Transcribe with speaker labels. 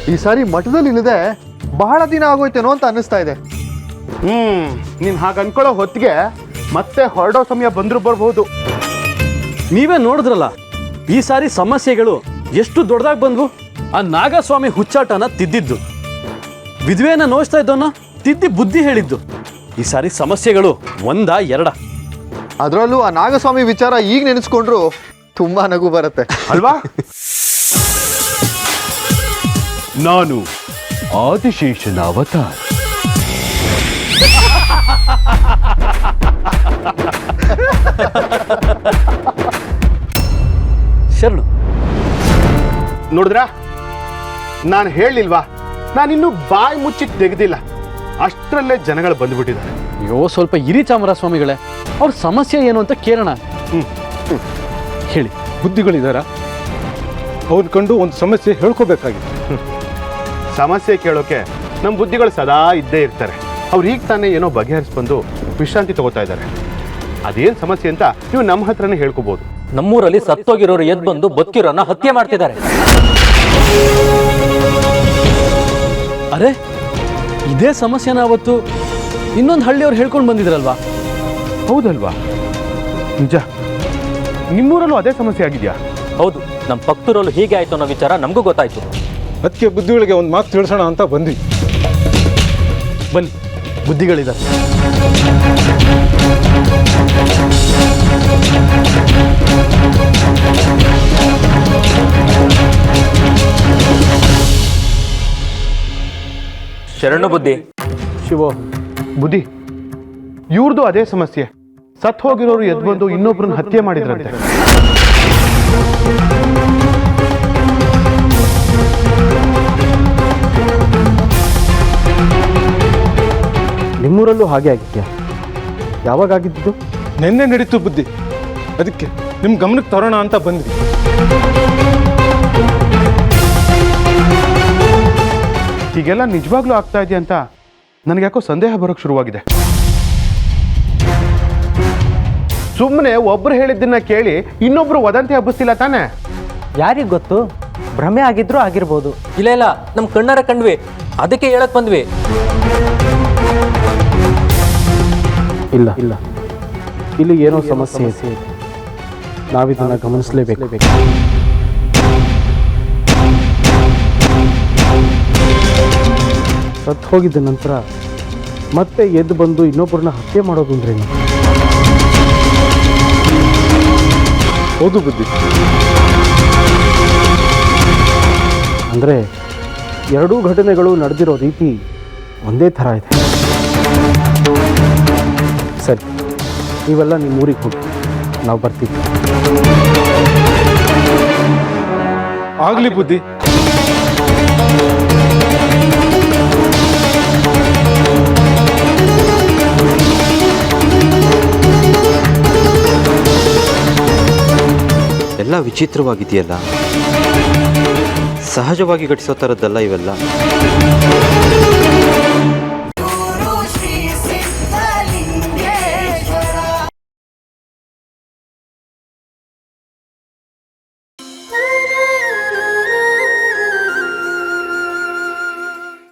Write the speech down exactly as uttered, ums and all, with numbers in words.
Speaker 1: ಈ ಸಾರಿ ಮಠದಲ್ಲಿ ಇಲ್ಲದೆ ಬಹಳ ದಿನ ಆಗೋಯ್ತೇನೋ ಅಂತ ಅನ್ನಿಸ್ತಾ ಇದೆ.
Speaker 2: ಹ್ಮ್ ನೀನ್ ಹಾಗೆ ಅನ್ಕೊಳ್ಳೋ ಹೊತ್ತಿಗೆ ಮತ್ತೆ ಹೊರಡೋ ಸಮಯ ಬಂದ್ರು ಬರ್ಬೋದು.
Speaker 3: ನೀವೇ ನೋಡಿದ್ರಲ್ಲ ಈ ಸಾರಿ ಸಮಸ್ಯೆಗಳು ಎಷ್ಟು ದೊಡ್ಡದಾಗಿ ಬಂದ್ವು. ಆ ನಾಗಸ್ವಾಮಿ ಹುಚ್ಚಾಟನ ತಿದ್ದಿದ್ದು, ವಿಧವೆಯನ್ನ ನೋಯಿಸ್ತಾ ಇದ್ದವನ್ನ ತಿದ್ದಿ ಬುದ್ಧಿ ಹೇಳಿದ್ದು. ಈ ಸಾರಿ ಸಮಸ್ಯೆಗಳು ಒಂದ ಎರಡ.
Speaker 1: ಅದರಲ್ಲೂ ಆ ನಾಗಸ್ವಾಮಿ ವಿಚಾರ ಈಗ ನೆನೆಸ್ಕೊಂಡ್ರು ತುಂಬಾ ನಗು ಬರುತ್ತೆ
Speaker 2: ಅಲ್ವಾ? ನಾನು ಆದಿಶೇಷನ ಅವತಾರ.
Speaker 3: ಶರಣು,
Speaker 2: ನೋಡಿದ್ರಾ, ನಾನು ಹೇಳಿಲ್ವಾ, ನಾನಿನ್ನೂ ಬಾಯಿ ಮುಚ್ಚಿ ತೆಗೆದಿಲ್ಲ, ಅಷ್ಟರಲ್ಲೇ ಜನಗಳು ಬಂದ್ಬಿಟ್ಟಿದ್ದಾರೆ.
Speaker 3: ಅಯ್ಯೋ ಸ್ವಲ್ಪ ಇರಿ ಚಾಮರ ಸ್ವಾಮಿಗಳೇ, ಅವ್ರ ಸಮಸ್ಯೆ ಏನು ಅಂತ ಕೇಳೋಣ.
Speaker 2: ಹ್ಮ್
Speaker 3: ಹೇಳಿ.
Speaker 4: ಬುದ್ಧಿಗಳಿದಾರ? ಅವ್ರು ಕಂಡು ಒಂದು ಸಮಸ್ಯೆ ಹೇಳ್ಕೋಬೇಕಾಗಿದೆ.
Speaker 2: ಸಮಸ್ಯೆ ಕೇಳೋಕೆ ನಮ್ಮ ಬುದ್ಧಿಗಳು ಸದಾ ಇದ್ದೇ ಇರ್ತಾರೆ. ಅವ್ರು ಈಗ ತಾನೇ ಏನೋ ಬಗೆಹರಿಸ್ಬಂದು ವಿಶ್ರಾಂತಿ ತಗೋತಾ ಇದ್ದಾರೆ. ಅದೇನು ಸಮಸ್ಯೆ ಅಂತ ನೀವು ನಮ್ಮ ಹತ್ರನೇ ಹೇಳ್ಕೋಬಹುದು.
Speaker 5: ನಮ್ಮೂರಲ್ಲಿ ಸತ್ತೋಗಿರೋರು ಎದ್ದು ಬಂದು ಬದುಕಿರೋನ್ನ ಹತ್ಯೆ ಮಾಡ್ತಿದ್ದಾರೆ.
Speaker 3: ಅರೆ, ಇದೇ ಸಮಸ್ಯೆನ ಅವತ್ತು ಇನ್ನೊಂದು ಹಳ್ಳಿಯವ್ರು ಹೇಳ್ಕೊಂಡು ಬಂದಿದ್ರಲ್ವಾ?
Speaker 2: ಹೌದಲ್ವಾ? ನಿಜ, ನಿಮ್ಮೂರಲ್ಲೂ ಅದೇ ಸಮಸ್ಯೆ ಆಗಿದೆಯಾ?
Speaker 5: ಹೌದು, ನಮ್ಮ ಪಕ್ತೂರಲ್ಲೂ ಹೀಗೆ ಆಯ್ತು ಅನ್ನೋ ವಿಚಾರ ನಮಗೂ ಗೊತ್ತಾಯ್ತು.
Speaker 4: ಅದಕ್ಕೆ ಬುದ್ಧಿಗಳಿಗೆ ಒಂದು ಮಾತು ತಿಳಿಸೋಣ ಅಂತ ಬಂದ್ವಿ.
Speaker 3: ಬನ್ನಿ, ಬುದ್ಧಿಗಳಿದ್ದಾರೆ.
Speaker 5: ಶರಣು ಬುದ್ಧಿ.
Speaker 3: ಶಿವ
Speaker 2: ಬುದ್ಧಿ, ಇವ್ರದ್ದು ಅದೇ ಸಮಸ್ಯೆ. ಸತ್ ಹೋಗಿರೋರು ಎದ್ದು ಬಂದು ಇನ್ನೊಬ್ರನ್ನ ಹತ್ಯೆ ಮಾಡಿದ್ರಂತೆ.
Speaker 6: ನಿಮ್ಮೂರಲ್ಲೂ ಹಾಗೆ ಆಗಿದ್ಯಾ? ಯಾವಾಗ ಆಗಿದ್ದು?
Speaker 4: ನಿನ್ನೆ ನಡೀತು ಬುದ್ಧಿ, ಅದಕ್ಕೆ ನಿಮ್ಮ ಗಮನಕ್ಕೆ ತರೋಣ ಅಂತ ಬಂದ್ವಿ.
Speaker 2: ಹೀಗೆಲ್ಲ ನಿಜವಾಗ್ಲೂ ಆಗ್ತಾ ಇದೆಯಾ ಅಂತ ನನಗೆ ಯಾಕೋ ಸಂದೇಹ ಬರೋಕ್ಕೆ ಶುರುವಾಗಿದೆ. ಸುಮ್ಮನೆ ಒಬ್ರು ಹೇಳಿದ್ದನ್ನ ಕೇಳಿ ಇನ್ನೊಬ್ರು ವದಂತಿ ಹಬ್ಬಿಸ್ತಿಲ್ಲ ತಾನೆ?
Speaker 6: ಯಾರಿಗೆ ಗೊತ್ತು, ಭ್ರಮೆ ಆಗಿದ್ರೂ ಆಗಿರ್ಬೋದು.
Speaker 5: ಇಲ್ಲ ಇಲ್ಲ, ನಮ್ಮ ಕಣ್ಣಾರ ಕಂಡ್ವಿ, ಅದಕ್ಕೆ ಹೇಳಕ್ ಬಂದ್ವಿ.
Speaker 6: ಇಲ್ಲ ಇಲ್ಲ, ಇಲ್ಲಿ ಏನೋ ಸಮಸ್ಯೆ ಇದೆ. ನಾವಿದನ್ನ ಗಮನಿಸಲೇಬೇಕು. ಸತ್ತು ಹೋಗಿದ್ದ ನಂತರ ಮತ್ತೆ ಎದ್ದು ಬಂದು ಇನ್ನೊಬ್ಬರನ್ನ ಹತ್ಯೆ ಮಾಡೋದು ಅಂದ್ರೇನು?
Speaker 4: ಹೌದು ಬುದ್ಧಿ.
Speaker 6: ಅಂದರೆ ಎರಡೂ ಘಟನೆಗಳು ನಡೆದಿರೋ ರೀತಿ ಒಂದೇ ಥರ ಇದೆ. ಸರಿ, ನೀವೆಲ್ಲ ನಿಮ್ಮ ಊರಿಗೆ ಹೋಗಿ, ನಾವು ಬರ್ತೀವಿ.
Speaker 4: ಆಗ್ಲಿ ಬುದ್ಧಿ.
Speaker 7: ಎಲ್ಲ ವಿಚಿತ್ರವಾಗಿದೆಯಲ್ಲ, ಸಹಜವಾಗಿ ಘಟಿಸೋ ಥರದ್ದಲ್ಲ ಇವೆಲ್ಲ.